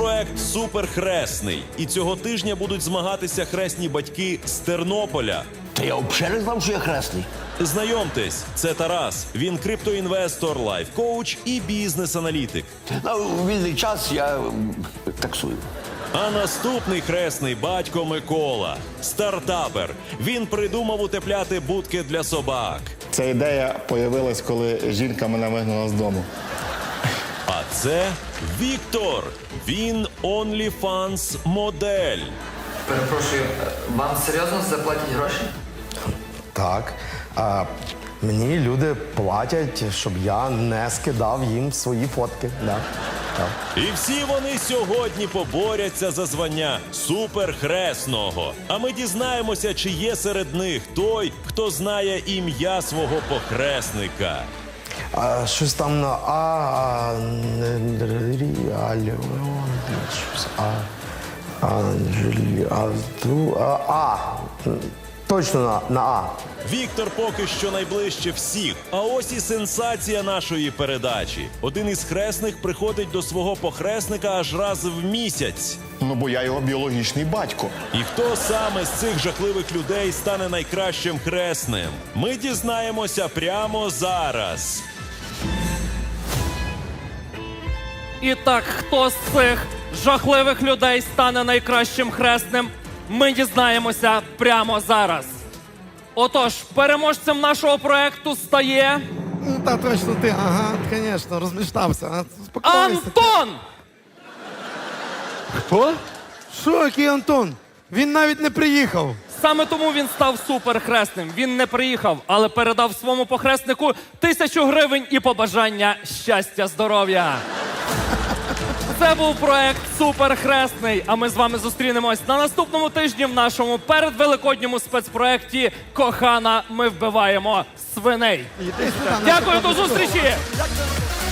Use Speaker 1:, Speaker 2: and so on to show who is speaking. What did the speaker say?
Speaker 1: проект «Суперхресний». І цього тижня будуть змагатися хресні батьки з Тернополя.
Speaker 2: Та я взагалі не знав, що я хресний.
Speaker 1: Знайомтесь, це Тарас. Він криптоінвестор, лайф-коуч і бізнес-аналітик.
Speaker 2: У вільний час я таксую.
Speaker 1: А наступний хресний батько Микола. Стартапер. Він придумав утепляти будки для собак.
Speaker 3: Ця ідея появилась, коли жінка мене вигнала з дому.
Speaker 1: А це Віктор. Він OnlyFans модель.
Speaker 4: Перепрошую, вам серйозно заплатять гроші?
Speaker 5: Так. Мені люди платять, щоб я не скидав їм свої фотки. Да. Так.
Speaker 1: І всі вони сьогодні поборяться за звання суперхресного. А ми дізнаємося, чи є серед них той, хто знає ім'я свого похресника.
Speaker 5: Щось там на точно на А.
Speaker 1: Віктор поки що найближче всіх. А ось і сенсація нашої передачі. Один із хресних приходить до свого похресника аж раз в місяць.
Speaker 3: Ну, бо я його біологічний батько.
Speaker 1: І хто саме з цих жахливих людей стане найкращим хресним? Ми дізнаємося прямо зараз.
Speaker 6: І так, хто з цих жахливих людей стане найкращим хресним, ми дізнаємося прямо зараз. Отож, переможцем нашого проекту стає
Speaker 7: Ну, та точно ти, ага, звісно, розміштався. Спокойся.
Speaker 6: Антон!
Speaker 7: Хто? Що, який Антон? Він навіть не приїхав.
Speaker 6: Саме тому він став суперхресним. Він не приїхав, але передав своєму похреснику 1000 гривень і побажання щастя, здоров'я. Це був проект «Суперхресний», а ми з вами зустрінемось на наступному тижні в нашому передвеликодньому спецпроекті «Кохана, ми вбиваємо свиней».
Speaker 7: Іди сюди,
Speaker 6: Дякую, до
Speaker 7: наша
Speaker 6: зустрічі!
Speaker 7: подруга.